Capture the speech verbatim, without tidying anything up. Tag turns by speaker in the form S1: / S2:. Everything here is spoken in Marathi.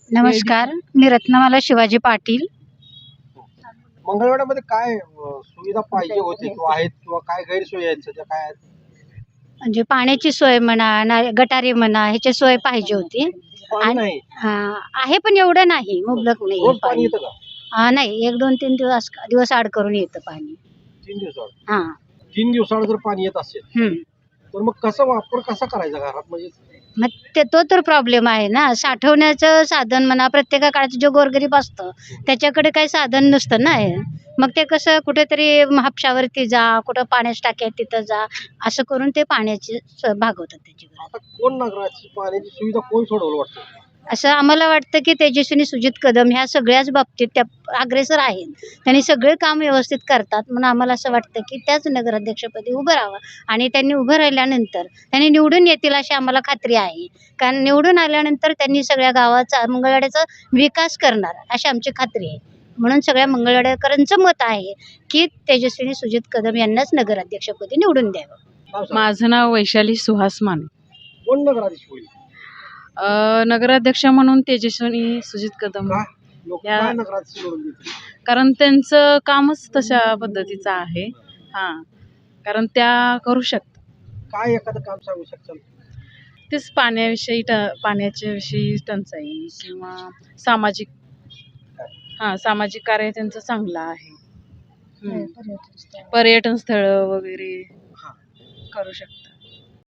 S1: नमस्कार, मी रत्नमाला शिवाजी पाटील.
S2: मंगळवेढ्यामध्ये काय अ, सुविधा पाहिजे होते किंवा आहेत किंवा काय गैरसोयी आहेत सध्या काय आहेत?
S1: म्हणजे पाण्याची सोय म्हणा, ना गटारी म्हणा, ह्याची सोय पाहिजे होती.
S2: पाणी
S1: आणि
S2: नाही.
S1: हां, आहे पण एवढं नाही, मुबलक नाही
S2: रोज पाणी
S1: पाणी.
S2: येतं का?
S1: हां, नाही एक दोन तीन दिवस दिवस आड करून येतं पाणी.
S2: तीन दिवसात
S1: हां.
S2: तीन दिवसाला जर पाणी येत असेल
S1: हं.
S2: तर मग कसा वापर कसा करायचा घरात म्हणजे
S1: मग ते तो तर प्रॉब्लेम आहे ना. साठवण्याचं साधन म्हणा, प्रत्येका काळात जो गोरगरीब असतो त्याच्याकडे काही साधन नसतं ना हे. मग ते कसं कुठेतरी हापशावरती जा, कुठं पाण्याच्या टाक्या आहेत तिथं जा, असं करून ते पाण्याची स भागवतात त्याची गरज.
S2: आता कोण नगराची पाण्याची सुविधा कोण सोडवलं वाटतं?
S1: असं आम्हाला वाटतं की तेजस्विनी सुजित कदम ह्या सगळ्याच बाबतीत त्या अग्रेसर आहेत. त्यांनी सगळे काम व्यवस्थित करतात म्हणून आम्हाला असं वाटतं की त्याच नगराध्यक्षपदी उभं राहावं आणि त्यांनी उभं राहिल्यानंतर त्यांनी निवडून येतील अशी आम्हाला खात्री आहे. कारण निवडून आल्यानंतर त्यांनी सगळ्या गावाचा मंगळवेढ्याचा विकास करणार अशी आमची खात्री आहे. म्हणून सगळ्या मंगळवेढ्याकरांचं मत आहे की तेजस्विनी सुजित कदम यांनाच नगराध्यक्षपदी निवडून द्यावं.
S2: नाव सांगा.
S3: माझं नाव वैशाली सुहास माने.
S2: कोण नगराधीश होईल?
S3: अ, नगराध्यक्ष म्हणून तेजस्विनी सुजित कदम.
S2: का लोक
S3: या-
S2: काय नगराधीश निवडून देतील?
S3: कारण त्यांचं कामच तशा पद्धतीचं आहे. हां, कारण त्या करू शकतात.
S2: काय एखादं काम सांगू शकाल?
S3: तेच पाण्याविषयी ट पाण्याच्या विषयी टंचाई किंवा सामाजिक हां, सामाजिक कार्य त्यांचं चांगलं आहे. हं. पर्यटन स्थळं वगैरे
S2: हां.
S3: करू शकतात.